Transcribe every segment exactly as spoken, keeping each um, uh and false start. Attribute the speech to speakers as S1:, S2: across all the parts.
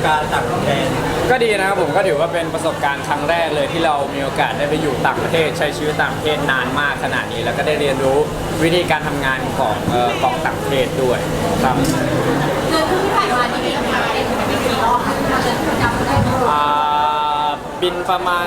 S1: การณ์ต่างแดน
S2: ก็ดีนะครับผมก็ถือว่าเป็นประสบการณ์ครั้งแรกเลยที่เรามีโอกาสได้ไปอยู่ต่างประเทศใช้ชีวิตต่างประเทศนานมากขนาดนี้แล้วก็ได้เรียนรู้วิธีการทำงานของเอ่อกองต่างประเทศด้วยครับ
S3: เดือนที่ผ่านมาที่มีมาเป็นกี่รอบคะเดือนที่จำได้ไหม
S2: อ่าบินประมาณ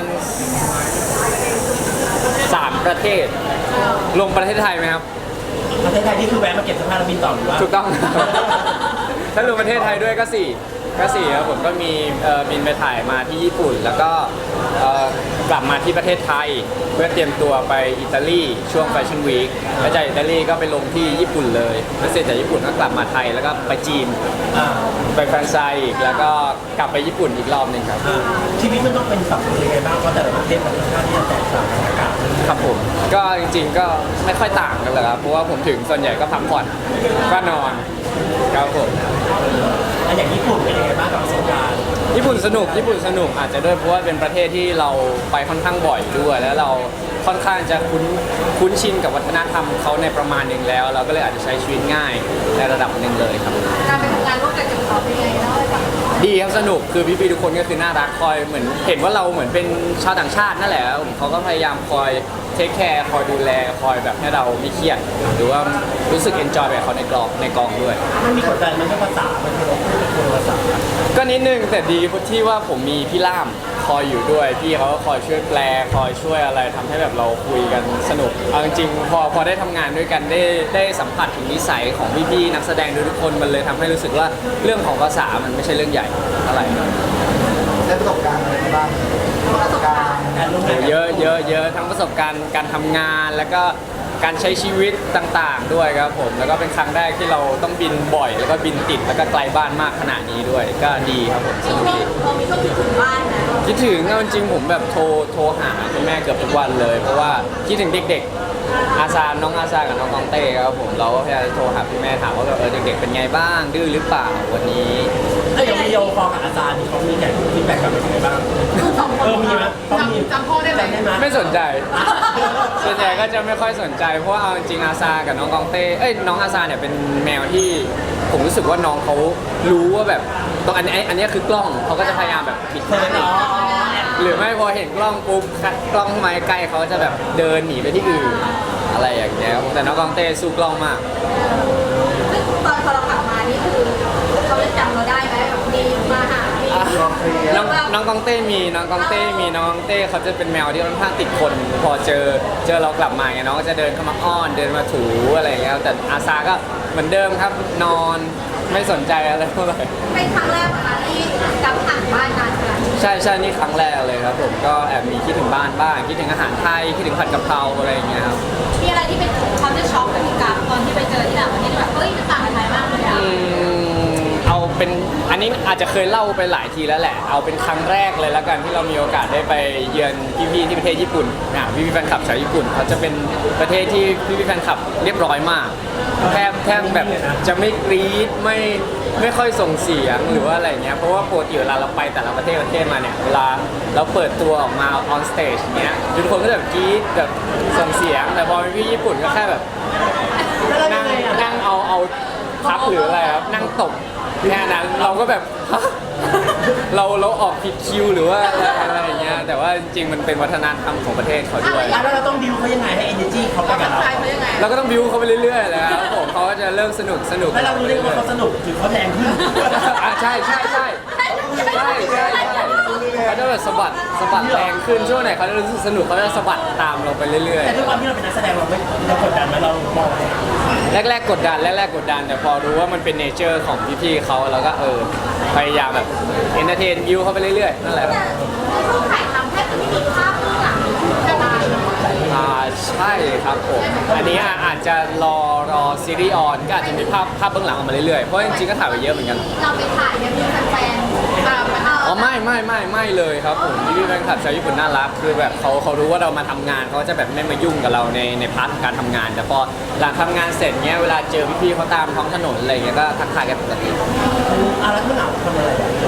S2: สามประเทศลงประเทศไทยไหมครับ
S1: ประเทศไทยนี่คือแวะมาเก็บเสภาพแล้วบินต่อหรือว่า
S2: ถูกต้อง ถ้ารวมประเทศไทยด้วยก็สี่ก็สี่ครับผมก็มีเอ่อบินไปถ่ายมาที่ญี่ปุ่น แล้วก็เอ่อกลับมาที่ประเทศไทยเพื่อเตรียมตัวไปอิตาลีช่วงแฟชั่นวีคแล้วจากอิตาลีก็ไปลงที่ญี่ปุ่นเลยแล้วเสร็จจากญี่ปุ่นก็กลับมาไทยแล้วก็ไปจีน
S1: อ่า
S2: ไปแฟรนไชส์อีกแล้วก็กลับไปญี่ปุ่นอีกรอบหนึ่งครับ
S1: อ่าชีวิตมันต้องเป็นฝักตัวยังไงบ้างเพราะแต่ละประเทศมันค่อนข้างที่จะแตกต่างกันอากาศ
S2: ครับผมก็จริงๆก็ไม่ค่อยต่างกันเลยครับเพราะว่าผมถึงส่วนใหญ่ก็พักผ่อนก็นอนครับผม
S1: อันอย่างญี่ปุ่นเป็นยังไงบ้างกับประสบการณ์
S2: ญี่ปุ่นสนุกญี่ปุ่นสนุกอาจจะด้วยเพราะว่าเป็นประเทศที่เราไปค่อนข้างบ่อยด้วย แล้วเราค่อนข้างจะคุ้นคุ้นชินกับวัฒนธรรมเขาในประมาณหนึ่งแล้ว เราก็เลยอาจจะใช้ชีวิตง่ายในระดับหนึ่งเลยครับ
S3: การไปทำงานร่วมกันกับเขาเป็นยังไงเล่าให้ฟัง
S2: ดีครับสนุกคือพี่ๆทุกคนก็คือน่ารักคอยเหมือนเห็นว่าเราเหมือนเป็นชาวต่างชาตินั่นแหละเขาก็พยายามคอยเทคแคร์คอยดูแลคอยแบบให้เราไม่เครียดหรือว่ารู้สึกเอนจอยแบบเขาในกองในกองด้วย
S1: มันมีกดดันมันก็ภาษามันคือเราพูดเป็นคนละภาษา
S2: ก็นิดนึงแต่ดีที่ว่าผมมีพี่ล่ามคอยอยู่ด้วยพี่เขาก็คอยช่วยแปลคอยช่วยอะไรทำให้แบบเราคุยกันสนุกเอาจริงๆพอพอได้ทำงานด้วยกันได้ได้สัมผัสถึงนิสัยของพี่ๆนักแสดงทุกคนมันเลยทำให้รู้สึกว่าเรื่องของภาษามันไม่ใช่เรื่องใหญ่เท่าไหร่
S4: ได้ประสบการณ์อะไรบ้างประสบการณ์
S1: การร่วมงาน
S2: เยอะเยอะเยอะทั้งประสบการณ์การทำงานแล้วก็การใช้ชีวิตต่างๆด้วยครับผมแล้วก็เป็นครั้งแรกที่เราต้องบินบ่อย แล้วก็บินติดแล้วก็ไกลบ้านมากขนาดนี้ด้วยก็ดีครับผมส
S3: มี
S2: นุก
S3: ช่วง
S2: ดี
S3: เรามีช่วงคิดถึงบ้านนะ
S2: คิดถึงเอาจริงๆผมแบบโทรโทรหาคุณแม่เกือบทุกวันเลย เพราะว่าคิดถึงเด็กๆอาซาน้องอาซากับน้องกองเต้ครับผมเราก็พยายามโทรหาคุณแม่ถามว่าแบบเออเด็กๆเป็นไงบ้างดื้อหรือเปล่าวันนี้
S1: ถ้าอย่างวิดีโอคอลกับอาจารย์นี่เขามีการฟีดแบ็กกลับมายังไงบ้าง
S3: คือสองคน
S1: เออมีไหมเขามี
S3: จำพ่อได้ไหม
S1: จำได้ไหม
S2: ไม่สนใจ ส่วนใหญ่ก็จะไม่ค่อยสนใจเพราะว่าเอาจริงๆอาซากับน้องกองเต้เอ้ยน้องอาซาเนี่ยเป็นแมวที่ผมรู้สึกว่าน้องเขารู้ว่าแบบตรงอันนี้อันนี้คือกล้องเขาก็จะพยายามแบบปิด
S1: เธอเนาะ
S2: หรือไม่พอเห็นกล้องปุ๊บคัดกล้องมาใกล้เขาจะแบบเดินหนีไปที่อื่นอะไรอย่างเงี้ยแต่น้องกองเต้สู้กล้องมาก
S3: ซึ่งตอนพอเรากลับมานี่คือเขาจะจำเราได้ไหมแบบมีมาหามี
S2: อ่ะน้องน้องกองเต้มีน้องกองเต้มีน้องกองเต้เขาจะเป็นแมวที่ค่อนข้างติดคนพอเจอเจอเรากลับมาไงน้องก็จะเดินเข้ามาอ้อนเดินมาถูอะไรอย่างเงี้ยแต่อาซาก็เหมือนเดิมครับนอนไม่สนใจอะไรเท่าไหร่
S3: เป็นครั้งแรกนะคะที่กลับผ่านบ้านนานขนาดนี้
S2: ใช่ใช่นี่ครั้งแรกเลยครับผมก็แอบมีคิดถึงบ้านบ้างคิดถึงอาหารไทยคิดถึงผัดกะเพราอะไรอย่างเงี้ยครับ
S3: มีอะไรที่เป็นความจะช็อกกับพี่กราฟตอนที่ไปเจอที่ต่างประเทศที่แบบเฮ้ยมันต่างกันไหมมากเลยอะ
S2: อืมเอาเป็นอันนี้อาจจะเคยเล่าไปหลายทีแล้วแหละ เอาเป็นครั้งแรกเลยแล้วกันที่เรามีโอกาสได้ไปเยือนพี่ๆที่ประเทศญี่ปุ่นนะพี่ๆแฟนคลับชาวญี่ปุ่นเขาจะเป็นประเทศที่พี่ๆแฟนคลับเรียบร้อยมากแทบแทบแบบจะไม่กรี๊ดไม่ไม่ค่อยส่งเสียงหรือว่าอะไรเงี้ยเพราะว่าปกติเวลาเราไปแต่ละประเทศประเทศมาเนี่ยเวลาเราเปิดตัวออกมาออนสเตจเงี้ยทุกคนก็จะแบบกรี๊ดแบบส่งเสียงแต่พอเป็นพี่ญี่ปุ่นก็แค่แบบ นั่งนั่งเอาเอาพับหรืออะไรครับนั่งตบแค่นั้นเราก็แบบ ฮะเราเราออกผิดคิวหรือว่าอะไรอย่างเงี้ยแต่ว่าจริงๆมันเป็นวัฒนธรรมของประเทศเขาด้วย
S1: อ่ะแล้วเราต้องดิวเขายังไงให้ energy เขาไป
S3: เรา
S1: กับ
S3: ทัก
S1: เรา
S3: ทายเขายังไง
S2: เราก็ต้องบิวเขาไปเรื่อยๆแหละครับผมเขาก็จะเริ่มสนุกสนุก
S1: แล้วเรารู้ได้ว่าเขาสนุกหรือเขาแรงขึ้น
S2: อ่ะใช่ใช่ใช่ใช่ใช่ใช่เขาจะแบบสะบัดสะบัดแรงขึ้นช่วงไหนเขาจะรู้สึกสนุกเขาจะสะบัดตามเราไปเรื่อย
S1: แต่ด้วยความที่เราเป็นนักแสดงเราไม่เรากดดันไหมเรามอง
S2: ๆแรกๆกดดันแรกๆกดดันแต่พอรู้ว่ามันเป็นเนเจอร์ของพี่ๆเขาเราก็เออพยายามแบบเอนเตอร์เทนบิวเขาไปเรื่อยๆนั่นแหละ
S3: แต่ช่วงถ่ายทำแทบจะไม่มีภาพเบื้องหลังกระดาน
S2: อ่าใช่ครับผม อันนี้อ่ะอาจจะรอรอซีรีส์ออนก็อาจจะมีภาพภาพเบื้องหลังออกมาเรื่อยๆ เพราะจริงๆก็ถ่ายไปเยอะเหมือนกัน
S3: เราไปถ่ายเนี่ยมีแฟนๆตามมา
S2: อ๋อไม่ไม่ไม่ไม่เลยครับผมพี่ๆแฟนคลับชาวญี่ปุ่นน่ารักคือแบบเขาเขารู้ว่าเรามาทำงานเขาจะแบบไม่มายุ่งกับเราในในพาร์ทของการทำงาน แต่พอหลังทำงานเสร็จเนี้ยเวลาเจอพี่ๆเขาตามท้องถนนอะไรเงี้ยก็ทักทายกันปกติ
S1: อ่ะแล้วเมื่อเหงาทำอะไรอ่ะ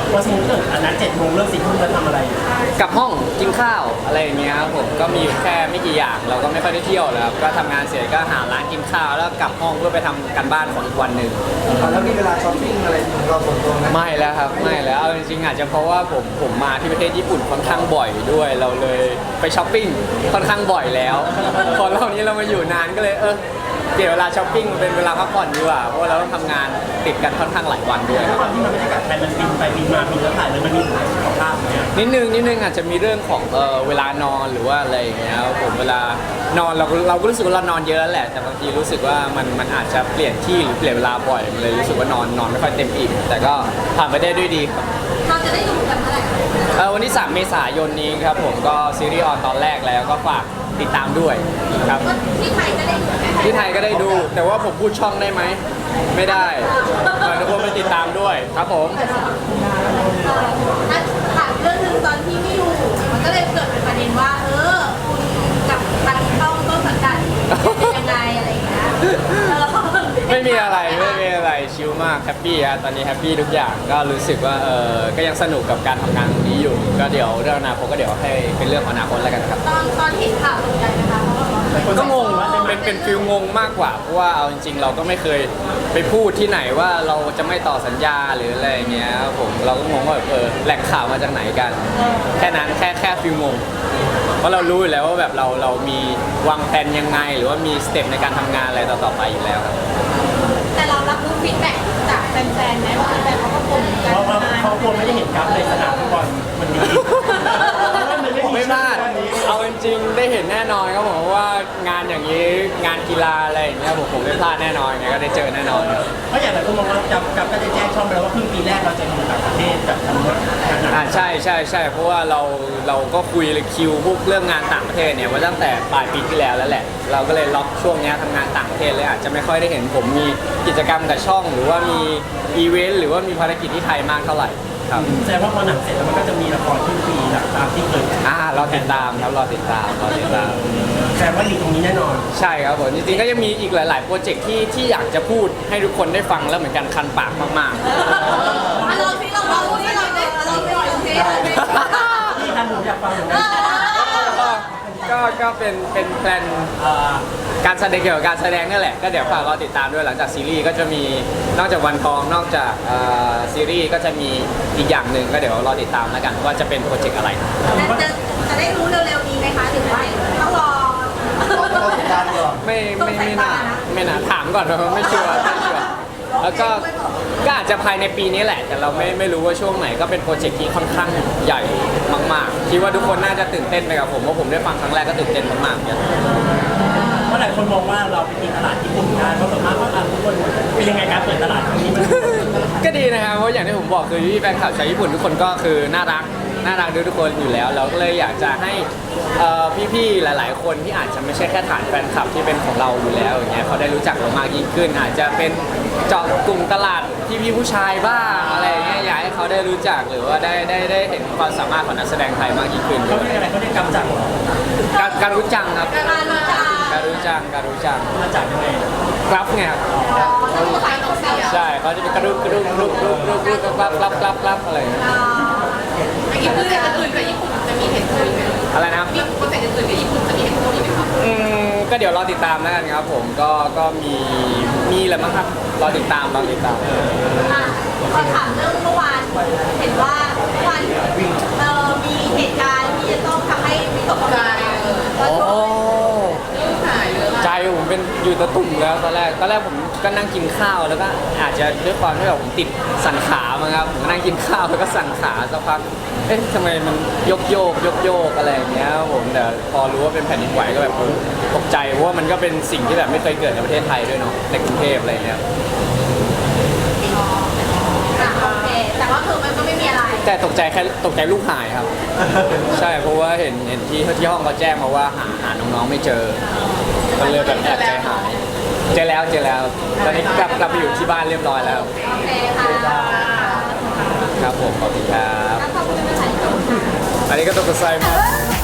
S1: ว่าสมมติเกิดอันนั้นเจ็ดโมงเลิกสี่ทุ่มแล้วทำอะไร
S2: กลับห้องกินข้าวอะไรอย่างเงี้ยครับผมก็มีอยู่แค่ไม่กี่อย่างเราก็ไม่ค่อยได้เที่ยวแล้วครับก็ทำงานเสร็จก็หาร้านกินข้าวแล้วกลับห้องเพื่อไปทำการบ้านของอีกวันหนึ่ง
S4: แล้วมีเวลาช้อปปิ้งอะไรของเราส่วนตัวไหม
S2: ไม่แล้วครับไม่แล้วเอาจริงๆอาจจะเพราะว่าผมผมมาที่ประเทศญี่ปุ่นค่อนข้างบ่อยด้วย เราเลยไปช้อปปิ้งค่อนข้างบ่อยแล้ว พอรอบนี้เรามาอยู่นานก็เลยเออเปลี่ยนเวลาช้อปปิ้งเป็นเวลาพักผ่อนดีกว่าเพราะว่าเราต้องทำงานติดกันค่อนข้างหลายวันด้วย
S1: ด้วย
S2: ค
S1: ครับ วามที่มันไม่ได้กลับไทยมันบินไปบินมาบินแล้วถ่ายเลยมันมีผลสุขภาพเนี่ย
S2: นิดนึงนิดนึงอาจจะมีเรื่องของเออเวลานอนหรือว่าอะไรอย่างเงี้ยครับผมเวลานอนเราเราก็รู้สึกว่าเรานอนเยอะแล้วแหละแต่บางทีรู้สึกว่ามันมันอาจจะเปลี่ยนที่หรือเปลี่ยนเวลาบ่อยมันเลยรู้สึกว่านอนนอนไม่ค่อยเต็มอิ่มแต่ก็ผ่านไปได้ด้วยดีครับ
S3: เราจะได้ดูกันเมื่อไหร่
S2: เอ่อวันที่สามเมษายนนี้ครับผมก็ซีรีส์ออนตอนแรกแล้วก็ฝากติดตามด้วยครับ
S3: ที่ไทยจะได้ดูไหม
S2: ที่ไทยก็ได้ดู แต่ว่าผมพูดช่องได้ไหมไม่ได้ฝากทุกคนไปติดตามด้วยครับผม
S3: อ่ะถามเรื่องหนึ่งตอนที่ไม่อยู่มันก็เลยเกิดเป็นประเด็นว่าเออคุณกับทางช่องต้นสังกัดเป็นยังไงอะไรอย่างเงี้ยเออ
S2: ไม่มีอะไรไม่มีอะไรชิลมากแฮปปี้อะตอนนี้แฮปปี้ทุกอย่างก็รู้สึกว่าเออก็ยังสนุกกับการทำงานตรงนี้อยู่ ก็เดี๋ยวเรื่องอนาคตก็เดี๋ยวให้เป็นเรื่องของอนาคตแล้วกันครับ
S3: ตอนตอนเห็นข่าวตกใจไหมคะเพราะว่า
S2: ก็งงเป็นเป็นฟิลงงมากกว่าเพราะว่าเอาจริงๆ เราก็ไม่เคยไปพูดที่ไหนว่าเราจะไม่ต่อสัญญาหรืออะไรอย่างเงี้ยครับผมเราก็งงว่าแบบเออแหล่งข่าวมาจากไหนกัน แค่นั้นแค่แค่ฟิลงงเพราะเรารู้อยู่แล้วว่าแบบเราเรามีวางแผนยังไง หรือว่ามีสเต็ปในการทำงานอะไรต่อๆไปอยู่แล้วครับ
S3: แต่เรารับรู้ฟีดแบ็กจากแฟนๆไหมว่าแฟนๆเขาก็บ่นกัน
S1: เพราะว่าเขากลัวไม่ได้เห็นกราฟในสนามฟุตบอลมันดีเพราะว่ามันไม่มี
S2: ไม่พลาด
S1: วันนี้
S2: เอาจริงๆได้เห็นแน่นอนครับผมเพราะว่างานอย่างนี้งานกีฬาอะไรอย่างเงี้ยผมผมไม่พลาดแน่นอนไงก็ได้เจอแน่นอนครับ
S1: เพราะอย่างไรก็มองว่ากับกับก็ได้แจ้งช่องไปแล้วว่าครึ่งปีแรกเราจะอยู่ต่างประเทศกับทำงานหนั
S2: อ่าก ใช่ใช่ใช่เพราะว่าเราเราก็คุยเลยคิวพวกเรื่องงานต่างประเทศเนี่ยมาตั้งแต่ปลายปีที่แล้วแล้วแหละ เราก็เลยล็อกช่วงเนี้ยทำงานต่างประเทศเลยอาจจะไม่ค่อยได้เห็นผมมีกิจกรรมกับช่อง หรือว่ามีอีเวนต์หรือว่ามีภารกิจที่ไทยมากเท่าไหร่ครับ
S1: แสดงว่าพอหนังเสร็จแล้วมันก็จะมีละครครึ่งปีหลังตามที่เคย
S2: อ่ารอติดตามครับรอติดตามรอติดตาม
S1: แสดงว่าอยู่ตรงนี้แน่นอน
S2: ใช่ครับผมจริงๆก็ยังมีอีกหลาย ๆ โปรเจกต์ที่ที่อยากจะพูดให้ทุกคนได้ฟังแล้วเหมือนกันคันปากมาก
S3: อ่ะลองสิลองลองสิลองสิลองสิลองสิลองสิ
S1: ที่ทำผมอยากฟังเหมือนกัน
S2: ๆ ก็ก็ก็เป็นเป็นแพลน
S1: เอ่อ
S2: การแสดงเกี่ยวกับการแสดงนั่นแหละก็เดี๋ยวฝากรอติดตามด้วยหลังจากซีรีส์ก็จะมีนอกจากวันทองนอกจากเอ่อซีรีส์ก็จะมีอีกอย่างหนึ่งก็เดี๋ยวรอติดตามแล้วกันว่าจะเป็นโปรเจกต์อะไร
S3: จะจะจะได้รู้เร็วๆนี้ไหมคะหรือว่าต้องรอ
S4: เราติดตามก่อน
S2: ไม่ไม่ไม่น่าไม่น่าถามก่อนเพราะไม่ชัวร์ไม่ชัวร์แล้วก็ก็อาจจะภายในปีนี้แหละ แต่เราไม่ไม่รู้ว่าช่วงไหนก็เป็นโปรเจกต์ที่ค่อนข้างใหญ่มากๆคิดว่าทุกคนน่าจะตื่นเต้นไปกับผมเพราะผมได้ฟังครั้งแรกก็ตื่นเต้นมากๆเหมือนกัน
S1: เพราะหลายคนมองว่าเราไปตีตลาดญี่ปุ่นได้เพราะส่วนมากว่าอ่ะทุกคนเป็นยังไงการเปิดตลาดครั้งนี้มัน
S2: ก็ดีนะครับเพราะอย่างที่ผมบอกคือพี่แฟนคลับชาวญี่ปุ่นทุกคนก็คือน่ารักน่ารักด้วยทุกคนอยู่แล้ว เราก็เลยอยากจะให้เอ่อพี่ๆหลายๆ คนที่อาจจะไม่ใช่แค่ฐานแฟนคลับที่เป็นของเราอยู่แล้วอย่างเงี้ยเขาได้รู้จักเรามากยิ่งขึ้น อาจจะเป็นเจาะกลุ่มตลาดพี่ๆผู้ชายบ้างอะไรอย่างเงี้ยอยากให้เขาได้รู้จักหรือว่าได้ได้ได้เห็นความสามารถของนักแสดงไทยมากยิ่งขึ้น
S1: เขาเรียกอะไรเขาเรียกกำจัดเหรอ
S2: การการรู้จักครับ
S3: การรู้จัก
S2: การรู้จักการรู้จัก
S1: กำจัดยังไง
S2: ครับไงครับ
S3: อ๋อต้องภาษาอังกฤษ
S2: ใช่เขาจะเป็นกระดุกกระดุกกระดุกกระดุกกระดุกกระดุกกรับกรับกรับกรับอะไรอย่างเงี้ย
S3: อ๋อ
S5: อันนี้คืออย่างอื่นกับญี่ปุ่นจะมีเห็นด้วยไหม
S2: อะไรนะครับ
S5: มีโปรเจกต์อื่นกับญี่ปุ่นจะมีเห็นด้วยไหมครับ
S2: อืมก็เดี๋ยวรอติดตามแล้วกันครับผมก็ก็มีมีแหละมั้งครับรอติดตามรอติดตาม
S3: อ่ะขอถามเรื่องเมื่อวานเห็นว่าเมื่อวานเอ่อมีเหตุการณ์ที่จะต้องทำให้วิตกกังวลว่า
S2: โอ้
S3: ช่วง
S5: หายเยอะ
S2: ใจผมเป็นอยู่ตะตุ่มแล้วตอนแรกตอนแรกผมก็นั่งกินข้าวแล้วก็อาจจะด้วยความที่แบบผมติดสันขามั้งครับผมก็นั่งกินข้าวแล้วก็สันขาสักพักเอ๊ะทำไมมันยกโยกยกโยกอะไรอย่างเงี้ยครับผมแต่พอรู้ว่าเป็นแผ่นดินไหวก็แบบเออตกใจเพราะว่ามันก็เป็นสิ่งที่แบบไม่เคยเกิดในประเทศไทยด้วยเนาะในกรุงเทพอะไรอย่างเงี้ย
S3: อ่ะโอเคแต่ว่าคือมันก็ไม่มีอะไร
S2: แต่ตกใจแค่ตกใจลูกหายครับ ใช่เพราะว่าเห็นเห็นที่ที่ห้องเขาแจ้งมาว่าหาหาน้องๆไม่เจอก็เลยแบบแอบใจหายเจอแล้วเจอแล้วตอนนี้กลับกลับไปอยู่ที่บ้านเรียบร้อยแล้ว
S3: โอเคค่ะ
S2: ครับผมขอบคุณครับ
S3: ขอบคุณนะคะ
S2: อันนี้ก็ต้องกระไซมา
S3: เออ